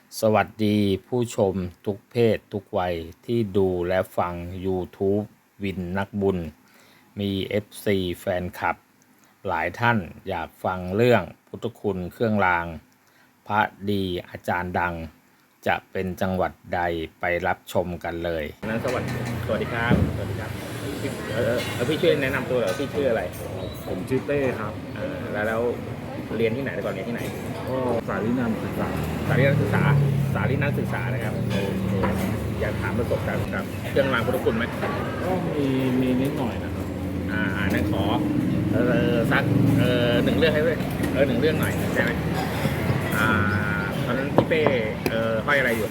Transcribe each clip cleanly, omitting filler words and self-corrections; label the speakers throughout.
Speaker 1: สวัสดีผู้ชมทุกเพศทุกวัยที่ดูและฟัง YouTube วินนักบุญมี FC แฟนคลับหลายท่านอยากฟังเรื่องพุทธคุณเครื่องรางพระดีอาจารย์ดังจะเป็นจังหวัดใดไปรับชมกันเลยนั้นสวัสดีครับสวัสดีครับพี่ช่วยแนะนำตัวเหรอพี่ชื่ออะไร
Speaker 2: ผมชื่อเต้ครับ
Speaker 1: แล้วเรียนที่ไหนก่อนเรียนที่ไหน
Speaker 2: ก็สายวินันศึกษา
Speaker 1: สารีนักศึกษานะครับอยากถามประสบการณ์กับเครื่องรางพุทธคุณไหม
Speaker 2: ก็มีนิดหน่อยนะครับ
Speaker 1: นั่นขอสักหนึ่งเรื่องให้ด้วยหนึ่งเรื่องหน่อยได้ไหมตอนนั้นพี่เป้ห้อยอะไรอยู่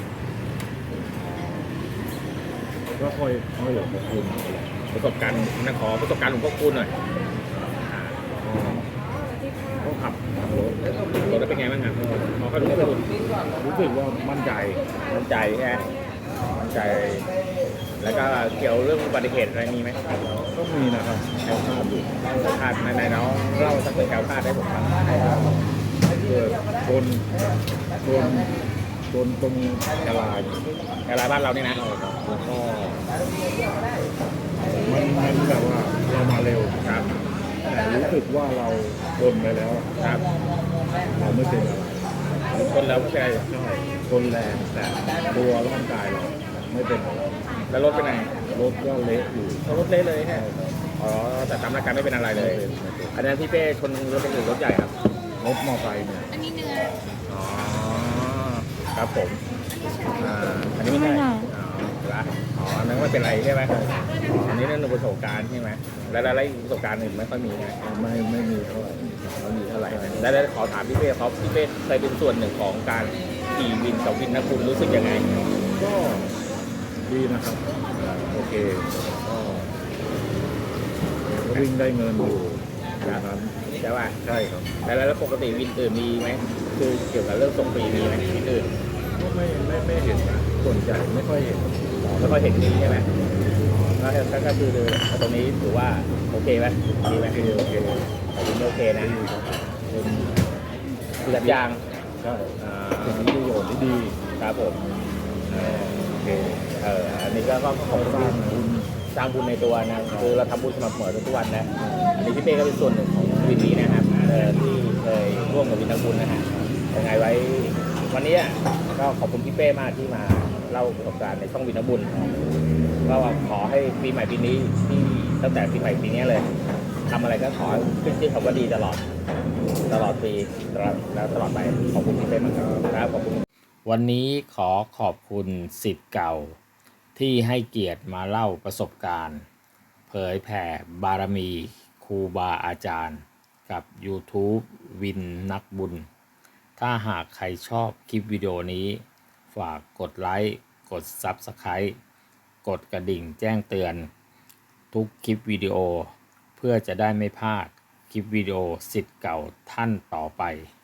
Speaker 2: ก็ค่อยหลวงพ่อคุณ
Speaker 1: ประสบการณ์นั่นขอประสบการณ์หลวงพ่อคุณหน่อย
Speaker 2: ก็ขับรถ
Speaker 1: แล้วเป็นไงบ้างครับพอเขาหลวงพ่อคุณ
Speaker 2: รู้สึกว่ามั่นใจ
Speaker 1: ใช่ไหมมั่นใจแล้วก็เกี่ยวเรื่องอุบัติเหตุอะไรมีไหม
Speaker 2: ก็มีนะครับ
Speaker 1: แถวคาดอยู่คาดในน้องเล่าสักเรื่องแถวคาดได้ผมฟัง
Speaker 2: เกิดโดนตรงกลา
Speaker 1: บ้านเรานี่นะ
Speaker 2: แล้วก็มันแบบว่าเรามาเร็ว
Speaker 1: ครับ
Speaker 2: แต่รู้สึกว่าเราชนไปแล้ว
Speaker 1: ครับ
Speaker 2: เราไม่เป็นอะไร
Speaker 1: คนแล้วไม่เป็นไร
Speaker 2: ใช่ชนแรงแต่ตัวร่างกายเราไม่เป็นอะไร
Speaker 1: แล้วรถเป็นไง
Speaker 2: รถก็เละอยู่
Speaker 1: รถเละเลยฮะอ๋อแต่ตามร่างกายไม่เป็นอะไรเลยอันนั้นพี่เป้ชนรถเป็นรถใหญ่ครับ
Speaker 2: รถมอไซค์เนี่ย
Speaker 3: อันนี้เนื้อ
Speaker 1: อ๋อครับผมอันนี้ไม่ใช่นั่นไม่เป็นไรใช่ไหมอันนี้นั่นประสบการณ์ใช่ไหมแล้วประสบการณ์อื่นไม่ค่อยมีไง
Speaker 2: ไม่มีเท่าไหร่
Speaker 1: ไม่มีเท่าไหร่แล้วขอถามพี่เป้เขาพี่เป้เคยเป็นส่วนหนึ่งของการขี่วินกับวินนะคุณรู้สึกยังไง
Speaker 2: ก็ดีนะครับโอเคก็วิ่งได้เงินอยู่
Speaker 1: นะครับใช่ป่ะ
Speaker 2: ใช่ครับ
Speaker 1: แล้วปกติวินอื่นมีไหมคือเกี่ยวกับเรื่องส่งฟรีมีไหมวินอื่น
Speaker 2: ก็ไม่เห็นนะส่วนใหญ่ไม่ค่อยเห็น
Speaker 1: นี้ใช่ไหมแล้วก็คือตรงนี้ถือว่าโอเคไหมดีไหม
Speaker 2: โอเค
Speaker 1: โอเคนะคือแบบยาง
Speaker 2: ใช่เป็นประโยชน์ที่ดี
Speaker 1: ครับผม
Speaker 2: โอเค
Speaker 1: อันนี้ก็
Speaker 2: ส
Speaker 1: ร้างบุญในตัวนะคือเราทำบุญสม่ำเสมอทุกวันนะอันนี้พี่เป้ก็เป็นส่วนหนึ่งของวินนี้นะครับที่เคยร่วมกับวินนักบุญนะฮะยังไงไว้วันนี้ก็ขอบคุณพี่เป้มากที่มาเล่าประสบการณ์ในช่องวินนักบุญก็ขอให้ปีใหม่ปีนี้ที่ตั้งแต่ปีใหม่ปีนี้เลยทำอะไรก็ขอขึ้นชื่อคำว่าดีตลอดปีแล้วตลอดไปขอบคุณพี่เป้มากครับขอบคุณวันนี้ขอบคุณศิษย์เก่าที่ให้เกียรติมาเล่าประสบการณ์เผยแผ่บารมีครูบาอาจารย์กับ YouTube วินนักบุญถ้าหากใครชอบคลิปวิดีโอนี้ฝากกดไลค์กด Subscribe กดกระดิ่งแจ้งเตือนทุกคลิปวิดีโอเพื่อจะได้ไม่พลาดคลิปวิดีโอศิษย์เก่าท่านต่อไป